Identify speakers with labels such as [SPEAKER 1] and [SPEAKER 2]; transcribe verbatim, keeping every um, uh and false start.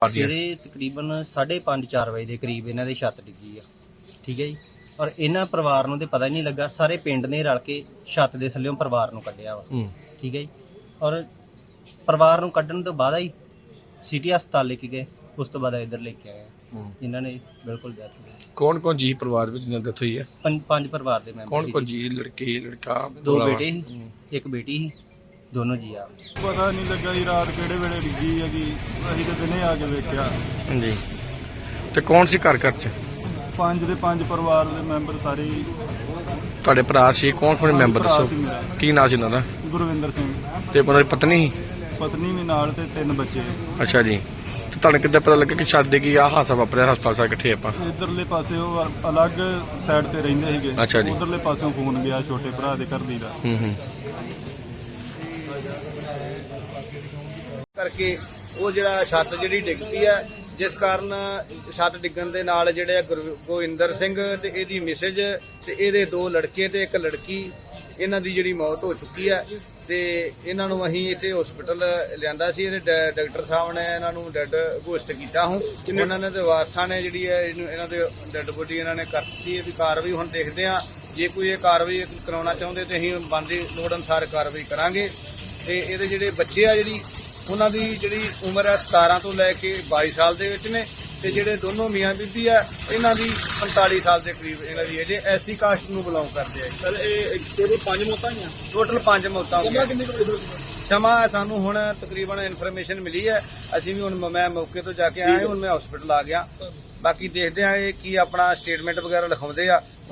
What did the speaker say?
[SPEAKER 1] ਸਵੇਰੇ ਤਕਰੀਬਨ ਸਾਢੇ ਪੰਜ ਚਾਰ ਵਜੇ ਦੇ ਕਰੀਬ ਇਹਨਾਂ ਦੀ ਛੱਤ ਡਿੱਗੀ ਆ। ਠੀਕ ਹੈ ਜੀ। ਔਰ ਇਹਨਾਂ ਪਰਿਵਾਰ ਨੂੰ ਤੇ ਪਤਾ ਹੀ ਨਹੀਂ ਲੱਗਾ, ਸਾਰੇ ਪਿੰਡ ਨੇ ਰਲ ਕੇ ਛੱਤ ਦੇ ਥੱਲੇੋਂ ਪਰਿਵਾਰ ਨੂੰ ਕੱਢਿਆ ਵਾ। ਠੀਕ ਹੈ ਜੀ। ਔਰ ਪਰਿਵਾਰ ਨੂੰ ਕੱਢਣ ਤੋਂ ਬਾਅਦ ਹੀ ਸਿਟੀ ਹਸਪਤਾਲ ਲੈ ਕੇ ਗਏ, ਉਸ ਤੋਂ ਬਾਅਦ ਇੱਧਰ ਲੈ ਕੇ ਆਏ ਇਹਨਾਂ ਨੇ ਬਿਲਕੁਲ ਡੈਥ ਹੋ ਗਈ।
[SPEAKER 2] ਕੌਣ ਕੌਣ ਜੀ ਪਰਿਵਾਰ ਵਿੱਚ ਜਿਨ੍ਹਾਂ ਦੀ ਡੈਥ ਹੋਈ ਹੈ?
[SPEAKER 1] ਪੰਜ ਪੰਜ ਪਰਿਵਾਰ ਦੇ ਮੈਂਬਰ
[SPEAKER 2] ਕੌਣ ਕੌਣ ਜੀ? ਲੜਕੇ ਲੜਕਾ
[SPEAKER 1] ਦੋ ਬੇਟੇ ਸੀ, ਇੱਕ ਬੇਟੀ ਸੀ, ਦੋਨੋਂ ਜੀ ਆ।
[SPEAKER 3] ਪਤਾ ਨਹੀਂ ਲੱਗਾ ਜੀ ਰਾਤ ਕਿਹੜੇ ਵੇਲੇ ਡਿੱਗੀ ਹੈਗੀ, ਅਸੀਂ ਤਾਂ ਦਿਨੇ ਆ ਕੇ ਵੇਖਿਆ।
[SPEAKER 2] ਹਾਂਜੀ। ਤੇ ਕੌਣ ਸੀ ਘਰ ਘਰ ਚ?
[SPEAKER 3] ਪੰਜ ਦੇ ਪੰਜ ਪਰਿਵਾਰ ਦੇ ਮੈਂਬਰ ਸਾਰੇ ਹੀ।
[SPEAKER 2] ਤੁਹਾਡੇ ਭਰਾ ਸੀ? ਕੌਣ ਕੌਣ ਮੈਂਬਰ
[SPEAKER 3] ਭਰਾ
[SPEAKER 2] ਦੱਸੋ?
[SPEAKER 3] ਸੀ ਮੇਰਾ,
[SPEAKER 2] ਕੀ ਨਾਂ ਸੀ ਉਹਨਾਂ ਦਾ?
[SPEAKER 3] ਗੁਰਵਿੰਦਰ ਸਿੰਘ।
[SPEAKER 2] ਤੇ ਉਹਨਾਂ ਦੀ ਪਤਨੀ ਸੀ?
[SPEAKER 3] ਪਤਨੀ ਵੀ ਨਾਲ ਤੇ ਤਿੰਨ ਬੱਚੇ।
[SPEAKER 2] ਅੱਛਾ ਜੀ। ਤੇ ਤੁਹਾਨੂੰ ਕਿੱਦਾਂ ਪਤਾ ਲੱਗਾ ਕਿ ਛੱਡ ਦੇ ਕੀ ਆ ਹਾਸਾ ਵਾਪਰਿਆ? ਹਸਪਤਾਲ ਸਾਰੇ ਇਕੱਠੇ ਆਪਾਂ?
[SPEAKER 3] ਇਧਰਲੇ ਪਾਸੇ ਉਹ ਅਲੱਗ ਸਾਈਡ ਤੇ ਰਹਿੰਦੇ ਸੀਗੇ।
[SPEAKER 2] ਅੱਛਾ ਜੀ।
[SPEAKER 3] ਉਧਰਲੇ ਪਾਸਿਓਂ ਫੋਨ ਗਿਆ ਛੋਟੇ ਭਰਾ ਦੇ ਘਰ ਦੀ ਦਾ।
[SPEAKER 2] ਹੂੰ ਹੂੰ।
[SPEAKER 4] ਕਰਕੇ ਉਹ ਜਿਹੜਾ ਛੱਤ ਜਿਹੜੀ ਡਿੱਗ ਪਈ ਹੈ, ਜਿਸ ਕਾਰਨ ਛੱਤ ਡਿੱਗਣ ਦੇ ਨਾਲ ਜਿਹੜੇ ਗੁਰ- ਗੋਇੰਦਰ ਸਿੰਘ ਤੇ ਇਹਦੀ ਮਿਸੇਜ ਤੇ ਇਹਦੇ ਦੋ ਲੜਕੇ ਤੇ ਇੱਕ ਲੜਕੀ, ਇਹਨਾਂ ਦੀ ਜਿਹੜੀ ਮੌਤ ਹੋ ਚੁੱਕੀ ਹੈ। ਤੇ ਇਹਨਾਂ ਨੂੰ ਅਸੀਂ ਇੱਥੇ ਹਸਪੀਟਲ ਲਿਆਂਦਾ ਸੀ। ਇਹਦੇ ਡਾ- ਡਾਕਟਰ ਸਾਹਿਬ ਨੇ ਇਹਨਾਂ ਨੂੰ ਡੈੱਡ ਘੋਸ਼ਿਤ ਕੀਤਾ। ਹੁਣ ਉਹਨਾਂ ਨੇ ਤੇ ਵਾਰਸਾਂ ਨੇ ਜਿਹੜੀ ਹੈ ਇਹਨੂੰ ਇਹਨਾਂ ਦੇ ਡੈੱਡ ਬੋਡੀ ਇਹਨਾਂ ਨੇ ਕਰ ਦਿੱਤੀ ਹੈ ਵੀ ਕਾਰਵਾਈ ਹੁਣ ਦੇਖਦੇ ਹਾਂ। ਜੇ ਕੋਈ ਇਹ ਕਾਰਵਾਈ ਕਰਾਉਣਾ ਚਾਹੁੰਦੇ ਤੇ ਅਸੀਂ ਬਣਦੀ ਲੋੜ ਅਨੁਸਾਰ ਕਾਰਵਾਈ ਕਰਾਂਗੇ। ਤੇ ਇਹਦੇ ਜਿਹੜੇ ਬੱਚੇ ਆ ਜਿਹੜੀ ਉਹਨਾਂ ਦੀ ਜਿਹੜੀ ਉਮਰ ਹੈ ਸਤਾਰਾਂ ਤੋਂ ਲੈ ਕੇ ਬਾਈ ਸਾਲ ਦੇ ਵਿੱਚ ਨੇ। ਤੇ ਜਿਹੜੇ ਦੋਨੋਂ ਮੀਆਂ ਬੀਬੀ ਆ ਇਹਨਾਂ ਦੀ ਪੰਤਾਲੀ ਸਾਲ ਦੇ ਕਰੀਬ ਇਹਨਾਂ ਦੀ ਏਜ। ਐਸੀ ਕਾਸਟ ਨੂੰ ਬਿਲੋਂਗ ਕਰਦੇ ਆ। ਸਰ ਇਹ ਟੋਟਲ ਪੰਜ ਮੌਤਾਂ ਹੀ ਆ? ਟੋਟਲ ਪੰਜ ਮੌਤਾਂ ਹੋਈਆਂ। ਸਮਾਂ ਸਾਨੂੰ ਹੁਣ ਤਕਰੀਬਨ ਇਨਫੋਰਮੇਸ਼ਨ ਮਿਲੀ ਹੈ। ਅਸੀਂ ਵੀ ਹੁਣ ਮੈਂ ਮੌਕੇ ਤੋਂ ਜਾ ਕੇ ਆਇਆ, ਹੁਣ ਮੈਂ ਹਸਪੀਟਲ ਆ ਗਿਆ। ਬਾਕੀ ਦੇਖਦੇ ਆ ਇਹ ਕੀ ਆਪਣਾ ਸਟੇਟਮੈਂਟ ਵਗੈਰਾ ਲਿਖਾਉਂਦੇ ਆ।